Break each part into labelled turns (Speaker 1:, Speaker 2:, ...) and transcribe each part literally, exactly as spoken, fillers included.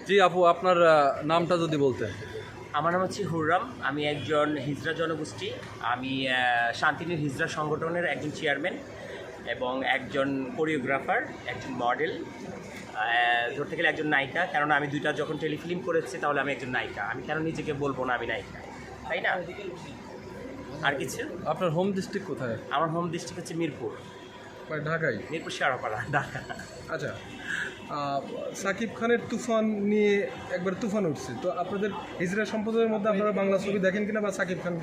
Speaker 1: জি আপু, আপনার নামটা যদি বলতেন।
Speaker 2: আমার নাম হচ্ছে হুররাম। আমি একজন হিজড়া জনগোষ্ঠী। আমি শান্তিনীর হিজড়া সংগঠনের একজন চেয়ারম্যান এবং একজন কোরিওগ্রাফার, একজন মডেল, ধরতে গেলে একজন নায়িকা। কেননা আমি দুইটা যখন টেলিফিল্ম করেছি তাহলে আমি একজন নায়িকা। আমি কেন নিজেকে বলবো না আমি নায়িকা, তাই না? আর কিছু?
Speaker 1: আপনার হোম ডিস্ট্রিক্ট কোথায়?
Speaker 2: আমার হোম ডিস্ট্রিক্ট হচ্ছে মিরপুর।
Speaker 1: ঢাকায়?
Speaker 2: মিরপুর শেয়ারপাড়া, ঢাকা।
Speaker 1: আচ্ছা, সাকিব খানের তুফান নিয়ে একবার তুফান উঠছে, তো আপনাদের হিজড়া সম্প্রদায়ের মধ্যে আপনারা বাংলা ছবি দেখেন কিনা বা সাকিব খানকে?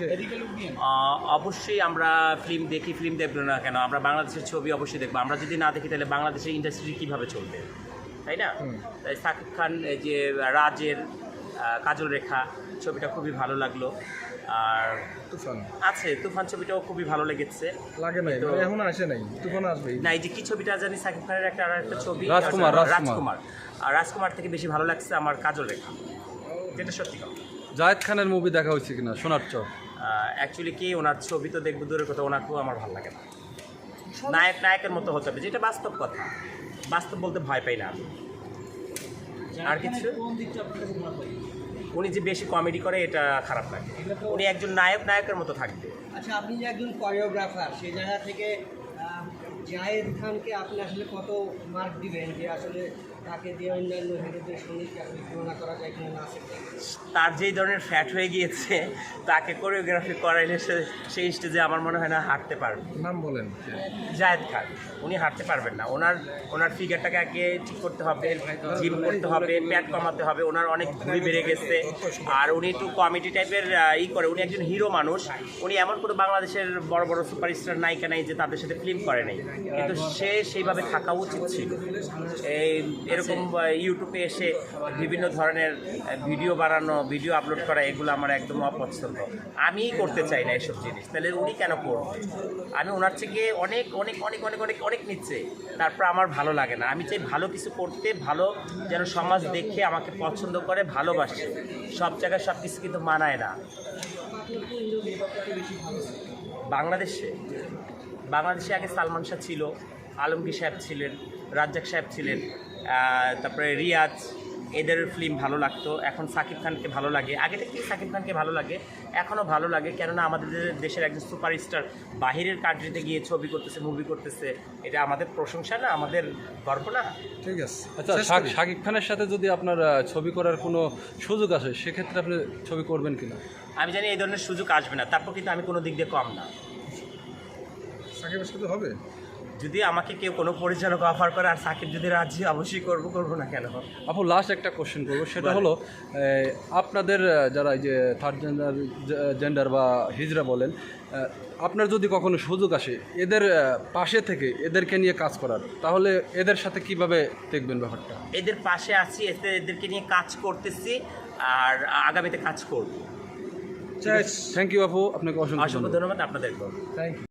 Speaker 2: অবশ্যই আমরা ফিল্ম দেখি, ফিল্ম দেখবো না কেন? আমরা বাংলাদেশের ছবি অবশ্যই দেখবো। আমরা যদি না দেখি তাহলে বাংলাদেশের ইন্ডাস্ট্রি কীভাবে চলবে, তাই না? তাই সাকিব খান এই যে রাজের কাজল রেখা ছবিটা খুবই ভালো লাগলো। আর
Speaker 1: তুফান
Speaker 2: আছে, তুফান ছবিটাও খুবই ভালো লেগেছে।
Speaker 1: লাগে নাই তো এখন আসে নাই, তুফান আসবে
Speaker 2: না। এই যে কি ছবিটা জানি সাকিব খানের একটা আর একটা ছবি,
Speaker 1: রাজকুমার
Speaker 2: রাজকুমার আর রাজকুমার থেকে বেশি ভালো লাগছে আমার কাজল রেখা, যেটা সত্যি কথা।
Speaker 1: জায়েদ খানের মুভি দেখা হয়েছে কিনা সোনার চর?
Speaker 2: অ্যাকচুয়ালি কি ওনার ছবি তো দেখবো দূরের কথা, ওনাকেও আমার ভালো লাগে না। নায়ক নায়কের মতো হতে হবে, যেটা বাস্তব কথা। বাস্তব বলতে ভয় পাই না আমি। আর কিছু? উনি যে বেশি কমেডি করে এটা খারাপ লাগে। উনি একজন নায়ক নায়কের মতো থাকবে।
Speaker 3: আচ্ছা, আপনি যে একজন কোরিওগ্রাফার, সেই জায়গা থেকে জায়েদ খানকে আপনি আসলে কত মার্ক দিবেন যে আসলে তাকে দিয়ে অন্যান্য হিরোদের সঙ্গে কি আপনি তুলনা করা যায় কিনা না?
Speaker 2: তার যেই ধরনের ফ্যাট হয়ে গিয়েছে, তাকে কোরিওগ্রাফি করাইলে সে সেই স্টেজে আমার মনে হয় না হাঁটতে পারবে।
Speaker 1: নাম বলেন।
Speaker 2: জায়েদ খান, উনি হাঁটতে পারবেন না। ওনার ওনার ফিগারটাকে আগে ঠিক করতে হবে, জিম করতে হবে, প্যাট কমাতে হবে। ওনার অনেক ভুঁড়ি বেড়ে গেছে। আর উনি একটু কমেডি টাইপের ই করে। উনি একজন হিরো মানুষ। উনি এমন কোনো বাংলাদেশের বড় বড় সুপারস্টার নায়িকা নাই যে তাদের সাথে ফিল্ম করে নাই, কিন্তু সে সেইভাবে থাকা উচিত ছিল। এই এরকম ইউটিউবে এসে বিভিন্ন ধরনের ভিডিও বানানো, ভিডিও আপলোড করা, এগুলো আমার একদম অপছন্দ। আমিই করতে চাই না এসব জিনিস, তাহলে উনি কেন করবে? আমি ওনার থেকে অনেক অনেক অনেক অনেক অনেক অনেক নিচ্ছে, তারপর আমার ভালো লাগে না। আমি চাই ভালো কিছু করতে, ভালো যেন সমাজ দেখে আমাকে পছন্দ করে, ভালোবাসে। সব জায়গায় সব কিছু কিন্তু মানায় না। বাংলাদেশে বাংলাদেশে আগে সালমান শাহ ছিল, আলমগীর সাহেব ছিলেন, রাজ্জাক সাহেব ছিলেন, তারপরে রিয়াজ, এদের ফিল্ম ভালো লাগতো। এখন সাকিব খানকে ভালো লাগে। আগে থেকেই সাকিব খানকে ভালো লাগে, এখনও ভালো লাগে। কেননা আমাদের দেশের একজন সুপারস্টার বাহিরের কান্ট্রিতে গিয়ে ছবি করতেছে, মুভি করতেছে, এটা আমাদের প্রশংসা না, আমাদের গর্ব না?
Speaker 1: ঠিক আছে। আচ্ছা, সাকিব খানের সাথে যদি আপনার ছবি করার কোনো সুযোগ আসে, সেক্ষেত্রে আপনি ছবি করবেন কিনা?
Speaker 2: আমি জানি এই ধরনের সুযোগ আসবে না, তারপর কিন্তু আমি কোনো দিক দিয়ে কম না।
Speaker 1: সাকিবের সাথে হবে? যদি
Speaker 2: আমাকে কেউ কোনো পরিচালক অফার করে আর সাকিব যদি রাজি, অবশ্যই করবো, করবো না কেন?
Speaker 1: আপু লাস্ট একটা কোশ্চেন করবো, সেটা হলো আপনাদের যারা এই যে থার্ড জেন্ডার জেন্ডার বা হিজড়া বলেন, আপনার যদি কখনো সুযোগ আসে এদের পাশে থেকে এদেরকে নিয়ে কাজ করার, তাহলে এদের সাথে কিভাবে দেখবেন ব্যাপারটা?
Speaker 2: এদের পাশে আছি, এতে এদেরকে নিয়ে কাজ করতেছি আর আগামীতে কাজ করব।
Speaker 1: থ্যাংক ইউ আপু, আপনাকে অসংখ্য
Speaker 2: অসংখ্য ধন্যবাদ আপনাদেরকেও।
Speaker 1: Thank you.